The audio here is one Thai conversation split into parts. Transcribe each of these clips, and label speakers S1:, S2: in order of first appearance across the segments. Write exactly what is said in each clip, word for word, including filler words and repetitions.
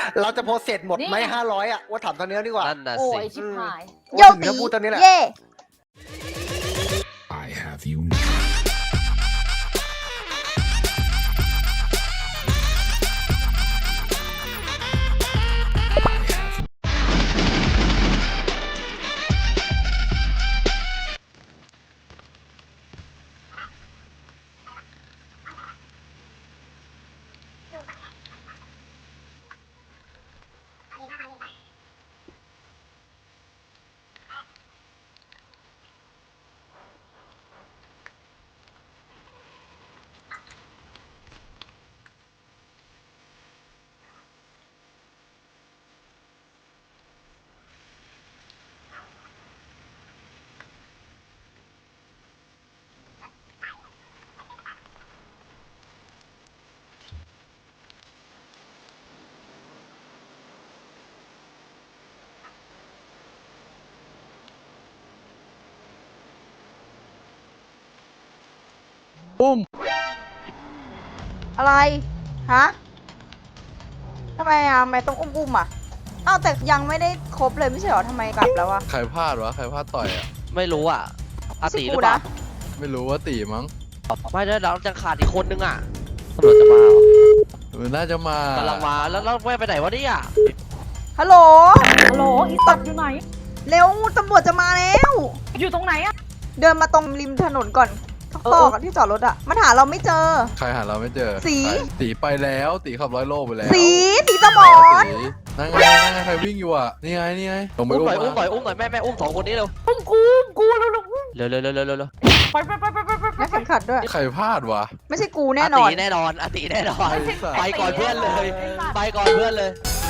S1: เราจะโพสเสร็จหมดไหมห้าร้อยอ่ะว่าถามตอนนี้ดีกว่า
S2: นั่นน่ะ
S3: โอ้
S2: สิ
S3: ยชิบหาย
S1: โยตีพูดตอนนี้แหละ
S4: เย่
S5: I have you now.
S2: ปุ้ม
S4: อะไรฮะทำไมอ่ะทำไมต้องอุ้มๆอ่ะอ้าวแต่ยังไม่ได้ครบเลยไม่ใช่เหรอทำไมกลับแล้วอ่ะ
S6: ใครพลาดวะใครพลาดต่อยอ่ะ
S2: ไม่รู้อ่ะอา
S4: ไม่ใช่
S2: ตีห
S4: กู
S2: รือเปล่า
S4: นะ
S6: ไม่รู้ว่าตีมั้ง
S2: ไม่ได้เราจะขาดอีกคนนึงอ่ะตำรวจจะมาเหรอ
S6: เออน่าจะมาก
S2: ำลังมาแล้วแล้วแม่ไปไหนวะเนี่ย
S4: ฮัลโหล
S3: ฮัลโหลอีสัตว์อยู่ไหน
S4: เร็วตำรวจจะมาแล้ว
S3: อยู่ตรงไหนอะ
S4: เดินมาตรงริมถนนก่อนตอกอะที่จอดรถอ่ะมันหาเราไม่เจอ
S6: ใครหาเราไม่เจอ
S4: สี
S6: ใครตีไปแล้วตีขับร้อยโลไปแล้ว
S4: สีสีสมอน
S6: สีนั่งไงนั่งไงใครวิ่งอยู่อ่ะนี่ไงนี่ไงลงไป
S2: อุ้ม
S6: อุ้ม
S2: หน่อยอุ้มหน่อยอุ้มห
S6: มา
S2: น่อยแม่แม่อุ้มสองคนนี้เร็ว
S3: อุ้มกูอุ้มกูเร็ว
S2: เร็วเร็วเร็วเร็วเร็วเร็ว
S3: ๆไปไปไปไปไปไป
S4: และเข็มขัดด้วย
S6: ใครพลาดวะ
S4: ไม่ใช่กูแน่นอน
S2: าตีแน่นอนอาตีแน่นอน
S6: ไอ้สัส
S2: ไปก่อนเพื่อนเลย ไปก่อนเพื่อนเลย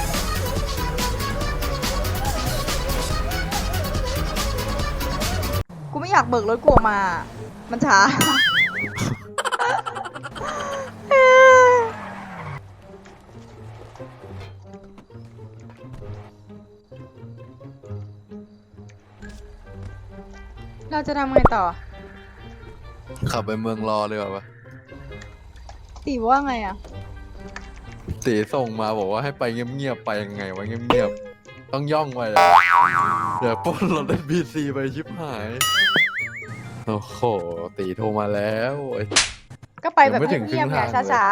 S4: กูไม่อยากเบิกรถกูออกมา มันช้า เราจะทำไงต่อ
S6: ขับไปเมืองรอเลยว่ะ
S4: ตีว่าไงอ่ะ
S6: ตีส่งมาบอกว่าให้ไปเงียบๆไปยังไงวะเงียบๆต้องย่องไปเลยเดี๋ยวปล้นรถเอ็นบีซีไปชิบหายโอ้โหตีโทรมาแล้วโอ้ย
S4: ก็ไปแบบ
S6: ยังไม่ถึง
S4: เงียบๆ
S6: ครึ่
S4: ไง
S6: งทางเลย
S4: ช้า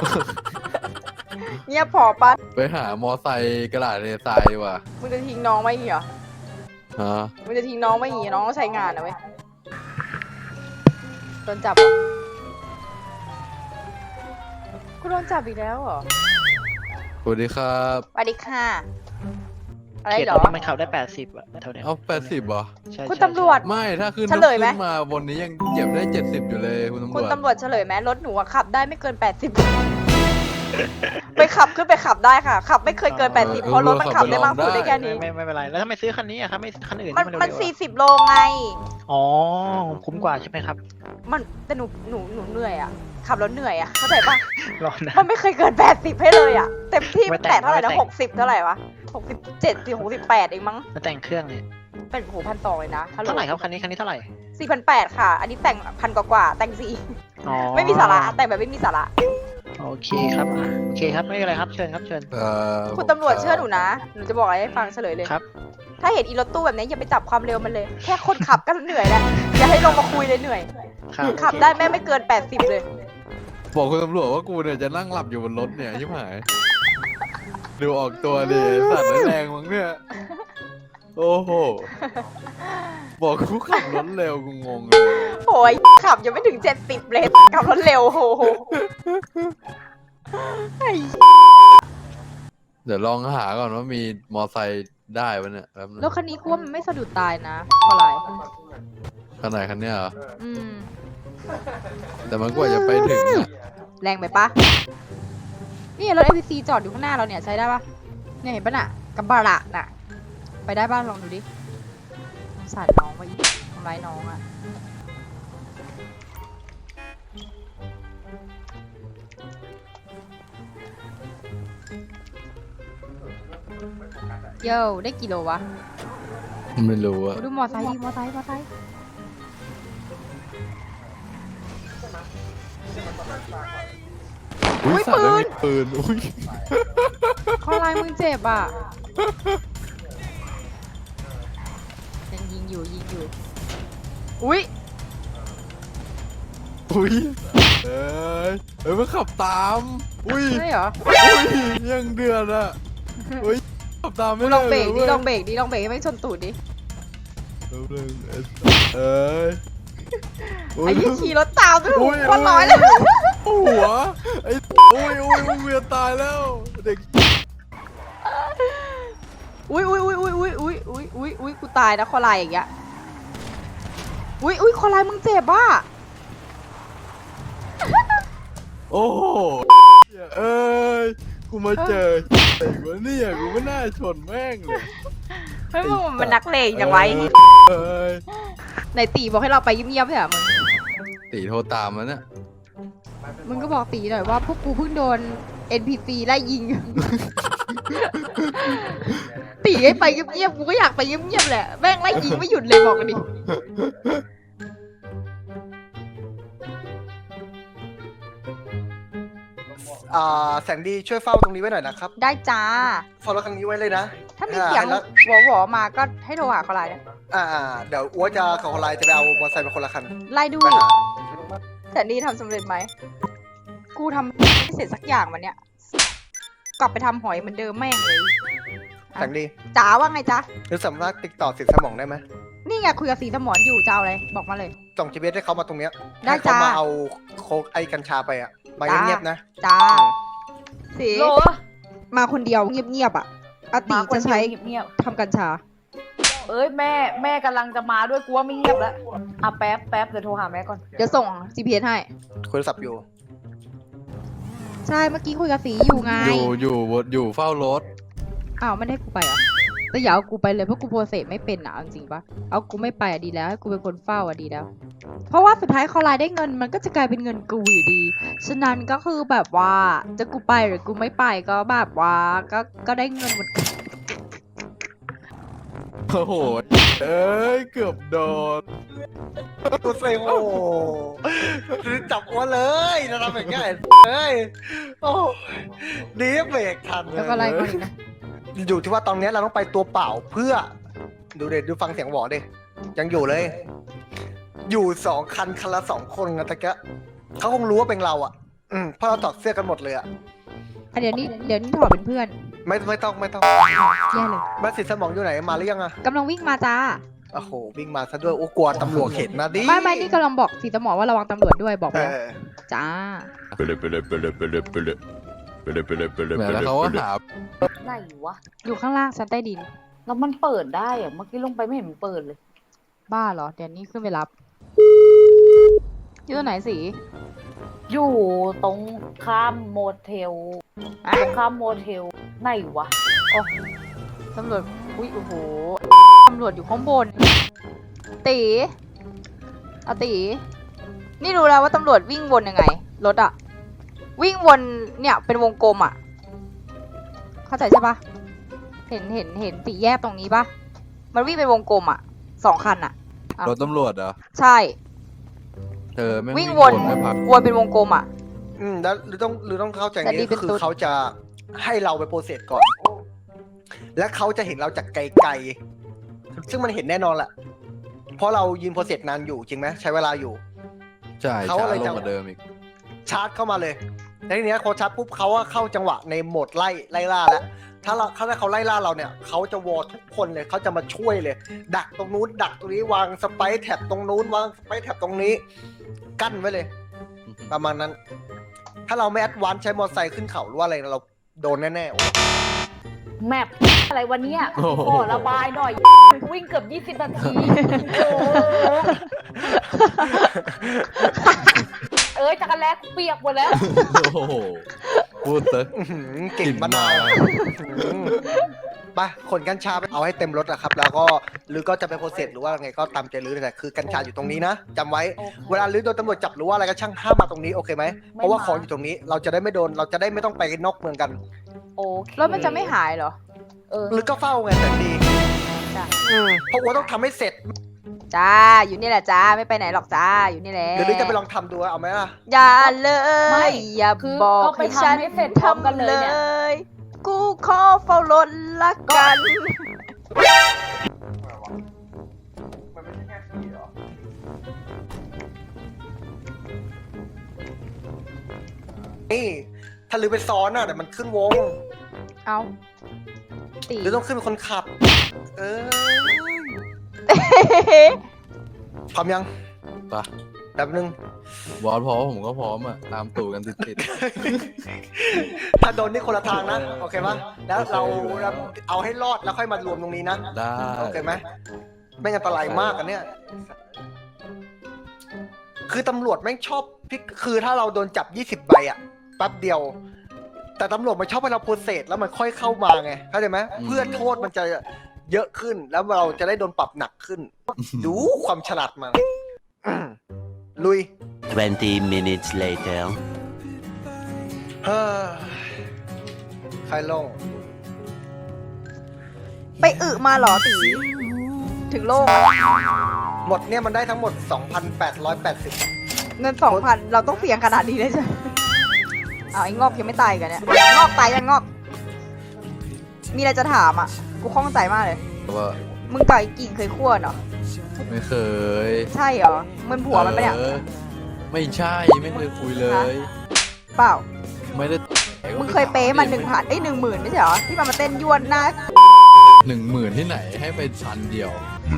S4: ๆ เงียบพอปะ
S6: ไปหามอไซค์กระดาษเรทรายดีกว่า
S4: มึงจะทิ้งน้องไว้อีกเหรอ
S6: ฮะ
S4: มึงจะทิ้งน้องไว้อีกน้องต้องใช้งานนะเว้ยโดนจับเหรอกูโดนจับอีกแล้วเหรอ
S6: สวัสดีครับ
S4: สวัสดีค่ะ อะไร
S7: เขต
S4: เหร
S7: ตรง
S4: อ
S7: นี้มันขับได้แปดสิบอะเท่าเนี้ย
S6: เอาแปดสิบเหรอ
S7: ใช่
S4: คุณ
S7: ใช่
S4: ตำรวจ
S6: ไม่ถ้าขึ้น
S4: เฉลยไหม
S6: ขึ้นมาบนนี้ยังเหยียบได้เจ็ดสิบอยู่เลยคุณตำร
S4: คุณ
S6: วจ
S4: ตำรวจเฉลยไหมรถหนูอะขับได้ไม่เกินแปดสิบ ไปขับขึ้นไปขับได้ค่ะ ขับไม่เคยเกินแปดสิบเพราะรถมันขับได้มากสุดได้แค่
S7: ไม่
S4: นี้
S7: ไม่ไม่เป็นไร แล้วทำไมซื้อคันนี้อะครับไม่คันอื่น
S4: มัน
S7: ที่
S4: มัน
S7: เร็วๆ
S4: สี่
S7: อะ
S4: สิบโลไง
S7: อ๋อ คุ้มกว่าใช่ไหมครับ
S4: มันแต่หนูหนูหนูเหนื่อยอะขับแล้วเหนื่อยอะเข้าใจปะ
S7: รอนะ
S4: มันไม่เคยเกินแปดสิบให้เลยอะเต็มที่
S7: ไม่แต่ง
S4: แต่เท่าไหร่นะ
S7: ไม่แต่ง
S4: หกสิบเท่าไหร่วะหกสิบเจ็ดสิบหกสิบแปดเองมั้ง
S7: มาแต่งเครื่องเนี่ย
S4: เป็นโหพันสองเลยนะฮัลโหล
S7: เท่าไหร่ครับคันนี้คันนี้เท่าไหร่
S4: สี่พันแปดค่ะ อันนี้แต่งพันกว่าๆแต่งสี่
S7: อ๋อ
S4: ไม่มีสาระแต่งแบบไม่มีสาระ
S7: โอเคครับอ่ะโอเคครับไม่เป็นไรครับเชิญครับเชิญ
S6: เอ่อ
S4: คุณตำรวจเชื่อหนูนะ หนูจะบอกอะไรให้ฟังเฉลยเลย
S7: ครับ
S4: ถ้าเห็นอีรถตู้แบบนี้อย่าไปจับความเร็วมันเลย แค่คนขับก็เหนื่อยแล้ว อย่าให้ลงมาคุยเลยเหนื่อย
S7: ครับ
S4: ขับได้แม่ไม่เกินแปดสิบเลย
S6: บอกคุณตำรวจว่ากูเนี่ยจะนั่งหลับอยู่บนรถเนี่ยชิบหาย ดูออกตัวดิสัตว์แรงมั้งเนี่ย โอ้โห บอกกูขับรถเร็วกูงงเลย
S4: โอ้ยขับยังไม่ถึงเจ็ดสิบเลยขับรถเร็วโอ้โหไอ้
S6: เดี๋ยวลองหาก่อนว่ามีมอไซค์ได้ปะเนี่ยแป๊บนึง
S4: รถคันนี้กูว่ามันไม่สะดุดตายนะเพราะอะไร
S6: คันไหนคันเนี้ยเหรอ
S4: อืม
S6: แต่มันกว่าจะไปถึงอะ
S4: แรงไปปะนี่รถ เอ พี ซี จอดอยู่ข้างหน้าเราเนี่ยใช้ได้ปะเนี่ยเห็นปะน่ะกับบาระน่ะ ไปได้บ้างลองดูดิสงสารน้องว่าอีทำร้ายน้องอะโย่ได้กี่โลวะ
S6: ไม่รู้อะ
S4: ดูมอไซค์ดิมอไซค์มอไซค์
S6: อุ้ย
S4: อุ๊ย
S6: สัตว์
S4: ปื
S6: แล้ว
S4: น
S6: มีปืนอุ้ย
S4: ข้อลายมึงเจ็บอ่ะยังยิงอยู่ยิงอยู่อุ้ย
S6: อุ้ยเอ้ยเอ้ยมันขับตามอุ้ย
S4: ใช่เหรอ
S6: อุ้ยยังเดือดอ่ะอุ้ยขับตามไม่
S4: ล
S6: ได้
S4: องเบรกดิ
S6: ว้ย
S4: ลองเบรกดิลองเบรกให้ไม่ชนตูดดิ
S6: เอ้ยเอ้ย
S4: ไอ้ยี่ขี่รถตามด้วย
S6: อุ้ย
S4: คนน้อยเลย
S6: หัวไอ้อุ้ยอุ้ยมึงเวียนตายแล้วเด็ก
S4: อุ้ยอุ้ยอุ้ยอุ้ยอุ้ยอุ้ยอุ้ยอุ้ยอุ้ยกูตายนะคอลายอย่างเงี้ยอุ้ยอุ้ยคอลายมึงเจ็บอ่ะ
S6: โอ้โหเอ้ยกูมาเจอไอ้วะเนี่ยกูไม่น่าชนแม่งเลย
S4: เฮ้ยมึงมันนักเลงอย่างไร
S6: เอ้ย
S4: ไหนตีบอกให้เราไปเงียบๆใช่เหรอมึง
S6: ตีโทรตามมันน่ะ
S4: มึงก็บอกตีหน่อยว่าพวกกูเพิ่งโดน เอ็น พี ซี ไล่ยิง ตีให้ไปเงียบๆกูก็อยากไปเงียบๆแหละแม่งไล่ยิงไม่หยุดเลยบอกกันดิ
S1: อ่าแสงดีช่วยเฝ้าตรงนี้ไว้หน่อยนะครับ
S4: ได้จ้า
S1: เฝ้ารถคันนี้ไว้เลยนะ
S4: ถ้ามีเสียง
S1: แล้ว
S4: หวอๆมาก็ให้โทรหาเขาไลน์นะ
S1: อ่าอ่าเดี๋ยวอ้วจะกับคนไลน์จะไปเอามอเตอร์ไซค์เป็นคนละคัน
S4: ไล่ดู
S1: ไปหา
S4: แต่นี่ทำสำเร็จไหม กูทำไม่เสร็จสักอย่างวันเนี้ย กลับไปทำหอยเหมือนเดิมแม่งเลย
S1: แสงดี
S4: จ๋าว่าไงจ๊ะ
S1: หรือสามารถติดต่อสินสมองได้ไหม
S4: นี่ไงคุยกับสีสมอนอยู่จะเอาอะไรบอกมาเลย
S1: ส่งจีพีเอสให้เขามาตรงเนี้ย
S4: ได้
S1: ให้เขา
S4: จ้าม
S1: มาเอาโคกไอ้กัญชาไปอ่ะมา
S4: จ้า
S1: เงียบๆนะ
S4: จ้า
S1: อืม
S4: สี
S3: โล
S4: มาคนเดียวเงียบๆอ่ะอาตี
S3: มาคน
S4: จะ
S3: เดียว
S4: ใช้
S3: เงียบ
S4: ทำกัญชา
S3: ๆเอ้ยแม่แม่กำลังจะมาด้วยกูว่าไม่เงียบแล้วอ่ะแป๊บแป๊บเดี๋ยวโทรหาแม่ก่อน
S4: เดี๋ยวส่ง จี พี เอส ให้
S1: คุยโทรศัพท์อยู่
S4: ใช่เมื่อกี้คุยกับสีอยู่ไง
S6: อยู่อยู่บนอยู่เฝ้ารถ
S4: อ้าวไม่ได้กูไปเหรอ่ะแต่อย่าเอากูไปเลยเพราะกูโปรเซสไม่เป็นอ่ะเอาจริงปะเอากูไม่ไปอ่ะดีแล้วให้กูเป็นคนเฝ้าอ่ะดีแล้ว เพราะว่าสุดท้ายคอไลน์ได้เงินมันก็จะกลายเป็นเงินกูอยู่ดี ฉะนั้นก็คือแบบว่าจะกูไปหรือกูไม่ไปก็แบบว่าก็ก็ได้เงินหมด
S6: โอ้โหเอ้ยเกือบโดน
S1: กูเซ็งโอ้จับอ้วนเลยนะทำอย่างเงี้ยเอ้ยโอ้ดีเบรกทัน
S4: แล้วก็ไล่มาอีกนะ
S1: อยู่ที่ว่าตอนนี้เราต้องไปตัวเปล่าเพื่อ ดูเด็ดดูฟังเสียงหวอดิยังอยู่เลย อยู่สองคันคันละสองคนนะตะกะเขาคงรู้ว่าเป็นเราอ่ะ อืมเพราะเราถอดเสื้อกันหมดเลยอ่ะ
S4: อ่ะเดี๋ยวนี้เดี๋ยวนี้ถอดเป็นเพื่อน
S1: ไม่ไม่ต้องไม่ต้อง
S4: แย่เลย
S1: บ้านสิทธิ์สมองอยู่ไหนมาหรือยังอ่ะ
S4: กำลังวิ่งมาจ้า
S1: โอ้โหวิ่งมาซะด้วยโอ้กลัวตำรวจเห็นนะดิ
S4: ไม่ไม่นี่กำลังบอกสีสมอว่าระวังตำรวจด้วยบอกไป
S1: เอ
S4: แล้ว
S1: อ
S4: จ้า
S6: แหมแล้วเขาก็หา
S3: ไหนวะ
S4: อยู่ข้างล่างชั้นใต้ดิน
S3: แล้วมันเปิดได้เหรอะเมื่อกี้ลงไปไม่เห็นมันเปิดเลย
S4: บ้าเหรอเดี๋ยวนี้ขึ้นไปรับอยู่ตรงไหนสี
S3: อยู่ตรงข้ามโมเทล
S4: อ่ะ
S3: ตรงข้ามโมเทลไหนวะ
S4: ตำรวจอุ้ยโอ้โหตำรวจอยู่ข้างบนตีเอาตีนี่รู้แล้วว่าตำรวจวิ่งวนยังไงรถอะวิ่งวนเนี่ยเป็นวงกลมอะเข้าใจใช่ปะเห็นเห็นเห็นสี่แยกตรงนี้ปะมันวิ่งเป็นวงกลมอะสองคันอะ
S6: รถตำรวจเหรอ
S4: ใช่
S6: เธอไม่
S4: วิ่งวน
S6: ไม่พัก
S4: วนเป็นวงกลมอะ
S1: อืมแล้วหรือต้องหรือต้องเข้าใจอย่าง
S4: แต่นี่
S1: นี้
S4: เป็น
S1: คือ
S4: ตุ๊ด
S1: เขาจะให้เราไปโปรเซสก่อน และเขาจะเห็นเราจากไกลๆซึ่งมันเห็นแน่นอนแหละเพราะเรายืนโปรเซสนานอยู่จริงไหมใช้เวลาอยู่
S6: ใช่
S1: เขา
S6: ช้า
S1: อะไร
S6: ลง
S1: จะ
S6: กว่าเดิมอีก
S1: ชาร์จเข้ามาเลยแล้วทีเนี้ยพอชาร์จปุ๊บเขาว่าเข้าจังหวะในโหมดไล่ไล่ล่าแล้ว ถ้าเราถ้าเขาไล่ล่าเราเนี่ยเขาจะวอทุกคนเลยเขาจะมาช่วยเลย ดักตรงนู้นดักตรงนี้วางสไปร์แท็บตรงนู้นวางสไปร์แท็บตรงนี้ กั้นไว้เลย ประมาณนั้น ถ้าเราไม่แอดวานซ์ใช้มอเตอร์ไซค์ขึ้นเขาหรือว่าอะไรเราโดนแน่ๆโอ้
S3: แมปอะไรวันนี้
S6: โอ้โห
S3: ขอระบายหน่อย วิ่งเกือบยี่สิบนาทีโอ้โหเอ้ยจักรแลกเปียกหมดแล้ว
S6: โอ้โหพูดเถอะ
S1: อื้อหือกลิ่นมะนาวไปขนกัญชาไปเอาให้เต็มรถอะครับ แล้วก็หรือก็จะไปโปรเซสหรือว่าไงก็ตามใจรื้อแต่คือกัญชาอยู่ตรงนี้นะจำไว้
S3: โอเค
S1: เวลารื้อโดนตำรวจจับหรือว่าอะไรก็ช่างห้ามมาตรงนี้โอเคไหมเพราะว่าของอยู่ตรงนี้ เราจะได้ไม่โดนเราจะได้ไม่ต้องไปนอกเมืองกัน
S3: โอเค
S4: รถมันจะไม่หายเหรอ
S3: เออ
S1: หรือก็เฝ้าไงแต่ดี
S4: จ้ะ
S1: อืมเพราะว่าต้องทำให้เสร็จ
S4: จ้าอยู่นี่แหละจ้าไม่ไปไหนหรอกจ้าอยู่นี่แหละ
S1: เดี๋ยวนี้จะไปลองทำดูเอาไหมล่ะ
S4: อย่าเล
S3: ไม่
S4: ยอย่า
S3: คือ
S4: บอก
S3: ก็ไป
S4: ให้ฉัน
S3: ทำให้เสร็จพร้อมกันเลยเนี่ย
S4: ทำกูขอเฝ้ารถละกัน
S1: มันไม่ใช่แค่ขี่หรอนี่ถ้าลือไปซ้อนอ่ะเดี๋ยวมันขึ้นวง
S4: เอาตี
S1: หรือต้องขึ้นเป็นคนขับ เออพร้อมยัง
S6: ปะ
S1: แป๊บนึง
S6: บอสพร้อมผมก็พร้อมอ่ะ ตามตู่กันติด
S1: ถ้าโดนนี่คนละทางนะ โอเคปะแล้วเราเราเอาให้รอดแล้วค่อยมารวมตรงนี้นะ
S6: ๆ ได้
S1: โอเคไหมไม่งั้นอันตรายมากอันเนี้ย คือตำรวจแม่งชอบพิกคือถ้าเราโดนจับยี่สิบใบอะแป๊บเดียว แต่ตำรวจมันชอบให้เราโปรเซสแล้วมันค่อยเข้ามาไง เข้าใจไหมเพื่อโทษมันจะเยอะขึ้น แล้วเราจะได้โดนปรับหนักขึ้น ดูความฉลาดมันอืมลุย
S5: twenty minutes later.
S1: เฮ้ยใครลง
S4: ไปอึมาเหรอตีถึงโลกอะ
S1: หมดเนี่ยมันได้ทั้งหมด สองพันแปดร้อยแปดสิบ
S4: เงินสองพันเราต้องเสี่ยงขนาดนี้เลยใช่ไหมอ้าวไอ้งอกยังไม่ตายกันเนี่ยงอกตายยังงอก มีอะไรจะถามอ่ะ กูข้องใจมากเลย
S6: ว่า
S4: มึงกับไอ้กิ่งเคยคั่วเนาะ
S6: ไม่เคย
S4: ใช่เหรอมันผัวมันปะเนี่ย
S6: ออไม่ใช่ไม่เคยคุยเลย
S4: เปล่า
S6: ไม่ได้
S4: มึงเคยเป๊ะมันหนึ่งพันไอ้หนึ่งหมื่นไม่ใช่เหรอที่มันมาเต้นยวนหน้า
S6: หนึ่งหมื่นที่ไหนให้ไปพันเดียว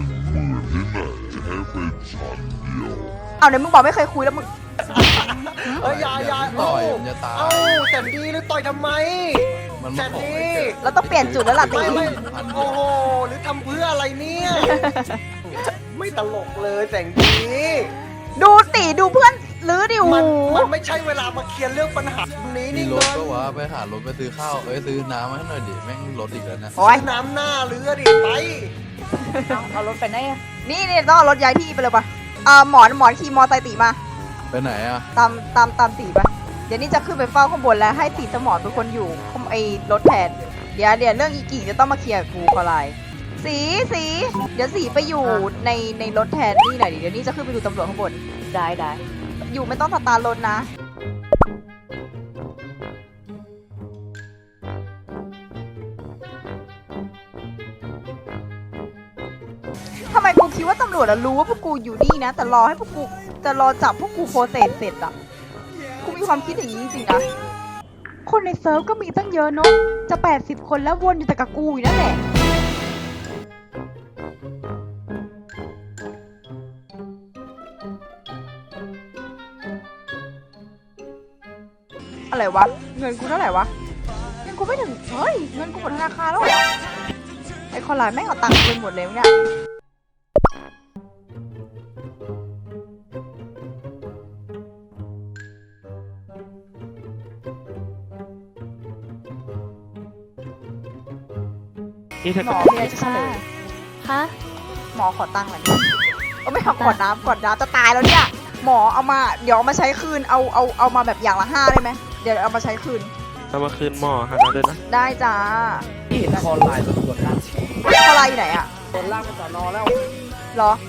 S4: เอาเนี่ยมึงบอกไม่เคยคุยแล้วมึง
S1: เอ้ยอยาอยา
S6: ต่อย
S1: เอ้า
S6: มันจะตาย
S1: เอ้าแสนดีหรือต่อยทำไม
S6: มัน
S1: แส
S6: มาน ขอ
S1: ดี
S6: ให้เกิด
S4: เราต้องเปลี่ยนจุดแล้วล่ะตี
S1: ไม่ไม่โอ้โหหรือทำเพื่ออะไรเนี่ย ไม่ตลกเลยแสงดี
S4: ดูตีดูเพื่อนหรือดิว
S1: มันมันไม่ใช่เวลามาเคลียร์เรื่องปัญหานี้
S6: มี
S1: นี่
S6: รถ
S1: เงิน
S6: ก็ว่าไปหารถไปซื้อข้าว เอ้ยซื้อน้ำมาให้หน่อยดิ แม่งรถอีกแล้วนะ
S4: โอ้ย
S1: น้ำหน้าเรือดิไป
S3: เอาเอารถไปไหนอะ
S4: นี่นี่ต้องเอารถย้ายที่ไปเลยปะอ่าหมอนหมอนขี่มอไซค์ตีมา
S6: ไปไหนอ่ะ
S4: ตามตามตามตีปะเดี๋ยวนี้จะขึ้นไปเฝ้าข้างบนแล้วให้ตีสมอนเป็นคนอยู่ข้างไอ้รถแทน เดี๋ยวเดี๋ยวเรื่องอีกี่จะต้องมาเคลียร์กับกูขอไลน์สีสีเดี๋ยวสีไปอยู่ในในรถแทนนี่หน่อยดิเดี๋ยวนี้จะขึ้นไปดูตำรวจข้างบน
S3: ได้ได้
S4: อยู่ไม่ต้องสตาร์ทรถนะ ทำไมกูคิดว่าตำรวจอะรู้ว่าพวกกูอยู่นี่นะ แต่รอให้พวกกูจะรอจับพวกกูโปรเซสเสร็จอะกูมีความคิดอย่างนี้จริงๆนะ คนในเซิร์ฟก็มีตั้งเยอะเนาะจะแปดสิบคนแล้ววนอยู่แต่กับกูอยู่นั่นแหละ อะไรวะ เงินกูเท่าไหร่วะ เงินกูไม่ถึง เฮ้ย เงินกูหมดธนาคารแล้วเหรอ ไอ้คนร้ายแม่งเอาตังค์กูไปหมดเลยวะเนี่ย
S7: นี่ถ้า
S4: หม
S7: เกิ
S4: อ
S7: ด
S4: มีอะไรจะเฉลย
S3: ฮะ
S4: หมอขอตังค์หน่อยดิเออไม่เอาขอน้ำขอน้ำจะตายแล้วเนี่ย หมอเอามา เดี๋ยวเอามาใช้คืน เอาเอาเอามาแบบอย่างละห้าได้ไหม เดี๋ยวเอามาใช้คืน
S7: เอามาคืนหม้อฮะนะด้วยนะ
S4: ได้จ้า
S2: ที่เห็นคอลายตำรวจล่าง
S4: อะไรอยู่ไหนอะ
S2: คนล่างมันสอนอแล้ว
S4: เหรอ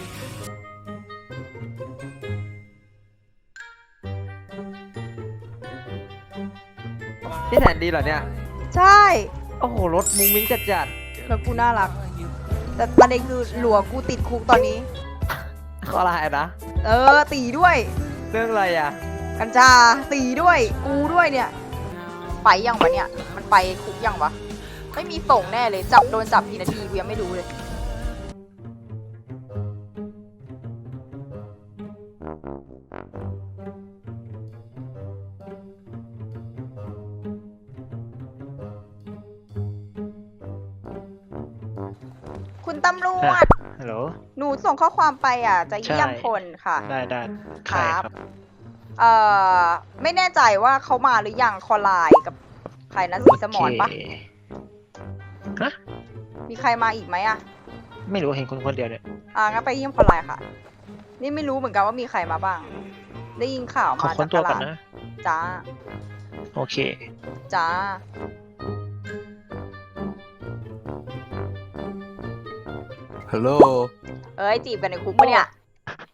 S2: ที่แสนดีเหรอเนี่ย
S4: ใช่
S2: โอ้โห รถมุ้งมิ้งจัดจัด
S4: แล้วกูน่ารัก แต่ประเด็นคือหลัวกูติดคุกตอนนี้
S2: คอลายนะ
S4: เออ ตีด้วย
S2: เรื่องอะไรอ่ะ
S4: กัญชาตีด้วย กูด้วยเนี่ย ไปยังวะเนี่ย มันไปคุกยังวะ ไม่มีส่งแน่เลย จับโดนจับกี่นาทีกูยังไม่รู้เลย คุณตำรวจ
S7: ฮัลโหล
S4: หนูส่งข้อความไปอ่ะ จะเยี่ยม
S7: ใช่
S4: คนค่ะ
S7: ได้ได้
S4: ค
S7: ใคร
S4: รับ
S7: ครับ
S4: เอ่อ ไม่แน่ใจว่าเขามาหรือยังคอไลน์กับใครนะสีสมอนปะ
S7: โเคฮะ
S4: มีใครมาอีกไหมอ่ะ
S7: ไม่รู้เห็นคนคนเดียวเนี่ย
S4: อ่างั้นไปเยี่ยมคอไลน์ค่ะ นี่ไม่รู้เหมือนกันว่ามีใครมาบ้าง ได้ยินข่าว
S7: ขอ
S4: มา
S7: ค้
S4: จาน ก
S7: ตั
S4: ต
S7: วก่อ
S4: ลาน ด
S7: นะ
S4: จ้า
S7: โอเค
S4: จ้า
S6: ฮัลโหล
S4: เอ้ยจีบกันในคุกปะเนี่ย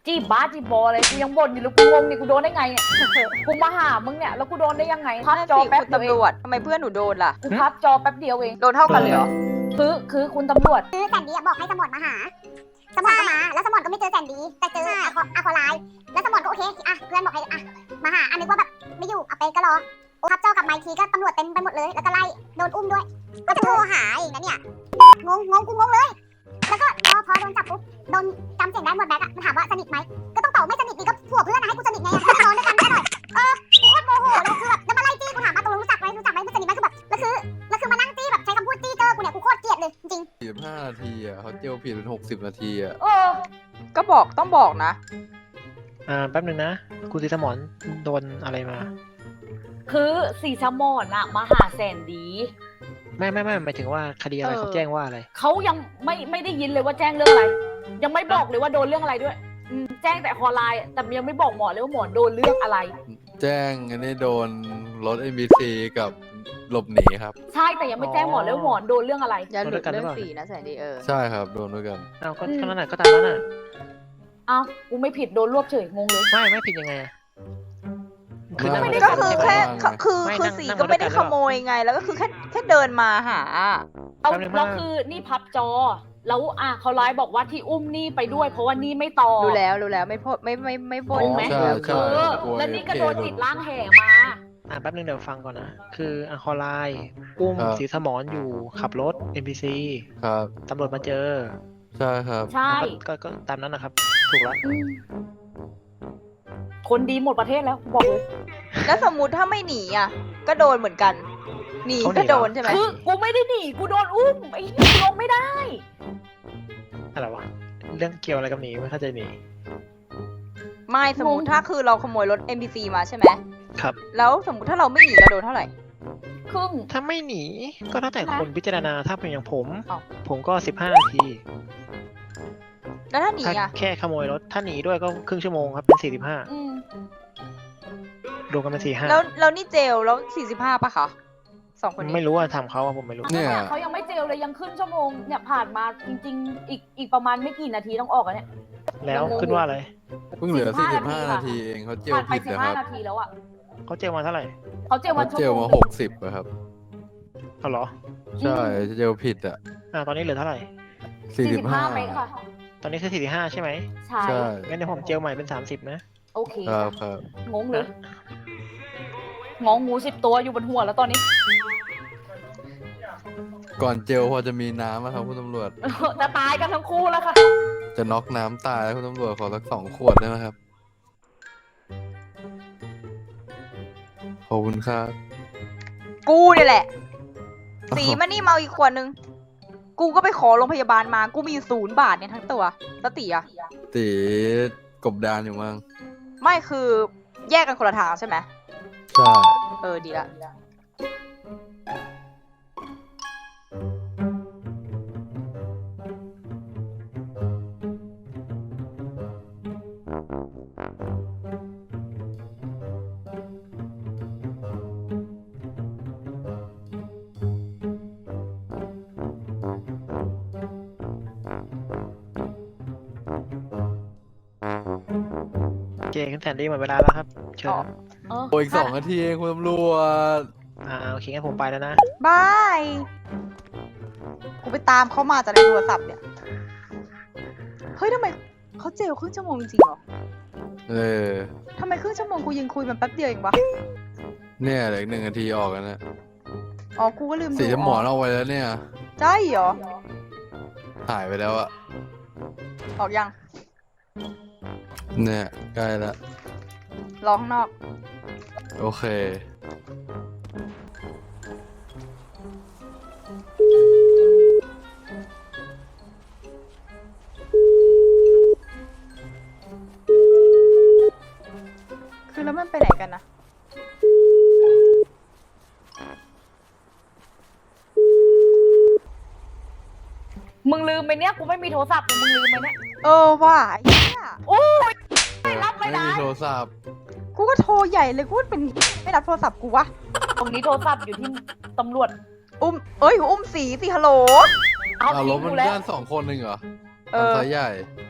S3: จีบบ้าจีบบอเลยกูยังบ่นอยู่เลยกูงงนี่กูโดนได้ไงเนี่ยกูมาหามึงเนี่ยแล้วกูโดนได้ยังไงพับ
S4: นั่น
S3: จอ
S4: สิ
S3: แป๊บ
S4: คุณ
S3: เดียวเอ
S4: ตำรง วจทำไมเพื่อนหนูโดนล่ะ
S3: กูพับจอแป๊บเดียวเอง
S4: โดนเท่ากันเลยเหรอ
S3: คือคือคุณตำรวจ
S8: คือแสนดีอะบอกให้สมอนมาหา สมอนก็มา แล้วสมอนก็ไม่เจอแสนดี แต่เจออะคออะคอไลน์แล้วสมอนก็โอเคอ่ะเพื่อนบอกให้อ่ะมาหาอันนึกว่าแบบไม่อยู่เอาไปก็รอโอ้ครับเจ้ากลับมาอีกทีก็ตำรวจเต็มไปหมดเลย แล้วก็ไล่โดนอุ้มด้วย ก็จะโทรหาอีกนะเนี่ยงงงงกูงงเลย แล้วก็พอพอโดนจับปุ๊บโดนจำเสียงได้หมดแบ็คอะมันถามว่าสนิทไหมก็ต้องตอบไม่สนิทนี่ก็ผัวเพื่อนนะให้กูสนิทไงอะให้นอนด้วยกันได้หน่อยเออกูโคตรโมโหเลยคือแบบแล้วมาไล่จี้กูถามว่าตกลงรู้จักไหมรู้จักไหมไม่สนิทไหมคือแบบแล้วคือแล้วคือมานั่งจี้แบบใช้คำพูดจี้เจอกูเนี่ยกูโคตรเกลียดเลยจริง
S6: สี่สิบห้านาทีอ่ะเขาเจลผิดเป็นหกสิบนาทีอ่ะ
S3: เออ
S4: ก็บอกต้องบอกนะ
S7: อ่าแป๊บหนึ่งนะคุณสีสมอนโดนอะไรมา
S3: คือสีสมอนอะมาหาแสนดี
S7: ไม่ไม่ไม่หมายถึงว่าคดีอะไร
S4: เออ
S7: เขาแจ้งว่าอะไร
S3: เขายังไม่ไม่ได้ยินเลยว่าแจ้งเรื่องอะไร ยังไม่บอกเลยว่าโดนเรื่องอะไรด้วยอืมแจ้งแต่คอไลน์แต่ยังไม่บอกหมอเลยว่าหมอโดนเรื่องอะไร
S6: แจ้งอันนี้โดนรถ เอ็ม บี ซี กับหลบหนีครับ
S3: ใช่แต่ยังไม่แจ้งหมอเลยว่าหมอโดนเรื่องอะไร
S4: อย่าหลุด
S7: โดนด้วยกันหรื
S4: เรื่
S7: อ
S4: อง
S7: เปล่า
S4: สีนะแสนดีเออ
S6: ใช่ครับโดนด้วยกัน
S7: อ้าวก็
S3: อืม
S7: เท่านั้นน่ะก็ตามนั้นน่ะ
S3: เอ้ากูไม่ผิดโดนรวบเฉยงงเลย
S7: ไม่ไม่ผิดยังไงอะคือนั่ง
S6: ไม่
S7: ด้วย
S6: ได้
S7: กัน
S4: ก็คือ
S7: ใช่ไหม
S4: แค่
S6: ไม่ได้
S4: คือ
S7: ไม่
S4: คือ
S7: นั่ง
S4: สี
S7: นั่ง
S4: ก็ไม่ได้
S7: ด้วย
S4: ข
S7: กันหรือเปล่า
S4: โมยไง แล้วก็คือแค่แค่เดินมาหา
S3: เอา
S7: แป๊บนึง
S3: แล้ว
S7: มาก
S3: คือนี่พับจอ แล้วอ่ะเขาไลน์บอกว่าที่อุ้มนี่ไปด้วย เพราะว่านี่ไม่ต่อ
S4: รู้แล้วรู้แล้วไม่พดไม่ไม่ไม่บ่น
S3: งงไหม
S6: ใช่
S4: แล้ว
S6: ใช่
S3: เออ
S6: กลัว
S3: แล้วนี่ก็
S6: เอฟเค
S3: โดนติดล่างแห่มา
S7: อ่าแป๊บหนึงเดี๋ยวฟังก่อนนะ คืออังคอร์ไลน์อุ้ม
S6: ครับ
S7: สีสมอนอยู่ขับรถ เอ็ม พี ซี
S6: ครับ
S7: ตำรวจมาเจอ
S6: ใช่ครับ
S3: ใช่
S7: ก็ก็ก็ตามนั้นนะครับ ถูกแล้ว
S3: อืมคนดีหมดประเทศแล้วบอกเลย
S4: แล้วสมมุติถ้าไม่หนีอ่ะ ก็โดนเหมือนกัน หนี
S7: เขาหนี
S4: ก็
S7: เหรอ
S4: โดนใช่ไหม
S3: คือกูไม่ได้หนีกูโดนอุ้มไอ้นี่ลงไม่ได้
S7: อะไรวะ เรื่องเกี่ยวอะไรกับหนีไม่เข้าใจหนี
S4: ไม่สมมุติ
S3: งง
S4: ถ้าคือเราขโมยรถ เอ็ม บี ซี มาใช่ไหม
S7: ครับ
S4: แล้วสมมุติถ้าเราไม่หนีเราโดนเท่าไหร่
S3: ครึ่ง
S7: ถ้าไม่หนีก็แล้วแต่คนพิจารณาถ้าเป็นอย่างผม
S4: อ้าว
S7: ผมก็สิบห้านาที
S4: แล้วถ้าหนี
S7: ถ้า
S4: อ่ะ
S7: แค่ขโมยรถ ถ้าหนีด้วยก็ครึ่งชั่วโมงครับเป็นสี่สิบห้า
S3: อืม
S7: รวมกันเป็นสี่ห้า
S4: แล้วแล้วนี่เจลแล้วสี่สิบห้าป่ะคะสองคนนี้
S7: ไม่รู้อ่ะทำเขาอ่ะผมไม่รู้
S6: เนี่ย
S3: เขายังไม่เจลเลยยังขึ้นชั่วโมงเนี่ยผ่านมาจริง ๆ อีกอีกประมาณไม่กี่นาทีต้องออกอะเนี่ย
S7: แล้วขึ้นว่าอะไร
S6: เพิ่งเหลือ
S3: สี่
S6: สี่
S3: สิ
S6: สิ
S3: บบ ห้า
S6: ห้า
S3: นา
S6: นา
S3: ที
S6: ทีเองเขาเจล
S3: ผ่านไป
S6: ผิด
S3: สิบ
S6: นะค
S3: ห้า
S6: รับ
S3: นาทีแล้วอ่ะ
S7: เขาเจลมาเท่าไหร่
S3: เขาเจล
S6: เขา
S3: วันชั่ว
S6: เจล
S3: โมง
S6: มาหกสิบอะครับ
S7: เอาเหรอ
S6: ใช่เจลผิดอ่ะ
S7: อ่าตอนนี้เหลือเท่าไหร่
S6: สี่สิบห้า
S3: เมตรค่ะ
S7: ตอนนี้คือสี่สิบห้าใช่ไหม
S3: ใช่
S6: ใช่
S7: งั้นเดี๋ยวผมเจลใหม่เป็นสามสิบนะ
S3: โอเค
S6: ครับครับ
S3: งงเลยงองงูสิบตัวอยู่บนหัวแล้วตอนนี้
S6: ก่อนเจลพอจะมีน้ำไหมครับคุณตำรวจ
S3: จะตายกันทั้งคู่แล้วค่ะ
S6: จะน็อกน้ำตายแล้วคุณตำรวจขอสักสองขวดได้ไหมครับ ขอบคุณครับ
S4: กูเนี่ยแหละ สีมันนี่เมาอีกขวดนึง กูก็ไปขอโรงพยาบาลมา กูมีอยู่ศูนย์บาทเนี่ยทั้งตัวแล้วตีอ่ะ
S6: ตีกบดานอยู่มั้ง
S4: ไม่คือแยกกันคนละทางใช่ไหม
S6: ใช่
S4: เออดีละ
S7: โอเคขึ้นแทนดี้หมดเวลาแล้วครับ เชิญครับ
S3: เออ
S6: โอ้ยอีกสองนาทีเองคุณตำรวจ
S7: อ่าโอเคงั้นผมไปแล้วนะ
S4: บาย กูไปตามเขามาจากในโทรศัพท์เนี่ย เฮ้ยทำไมเขาเจลครึ่งชั่วโมงจริงๆเหรอ
S6: เออ
S4: ทำไมครึ่งชั่วโมงกูยังคุยมันแป๊บเดียวเองวะ
S6: เนี่ยเหลืออีกหนึ่งนาทีออกแล้วนะ
S4: อ๋อ กูก็ลืมดู
S6: สีสมอนเอาไว้แล้วเนี่ย
S4: ใช่เหรอ
S6: หายไปแล้วอะ
S4: ออกยัง
S6: เนี่ยใกล้ละ
S4: รอข้างนอก
S6: โอเค
S4: คือแล้วมันไปไหนกันนะ
S3: มึงลืมไปเนี่ยกูไม่มีโทรศัพท์มึงลืมไปเนี่ย
S4: เออว่ะไอ้เหี้ย
S3: โอ้ยไม่รับไม่
S6: ไม่
S3: ได้
S6: มีโทรศัพท์
S4: กูก็โทรใหญ่เลยกูเป็นไม่รับโทรศัพท์กูวะ
S3: ตรงนี้โทรศัพท์อยู่ที่ตำรวจ
S4: อุ้ม เอ้ย อุ้มสีสิฮัลโหล
S3: เอา
S6: อ้าว
S3: ทิ้
S6: ล้
S3: ง
S6: มมัน
S3: กูแล้ว
S6: ด้านสองคนหนึ่งเหรอ
S4: เออ
S6: ทำสายใหญ่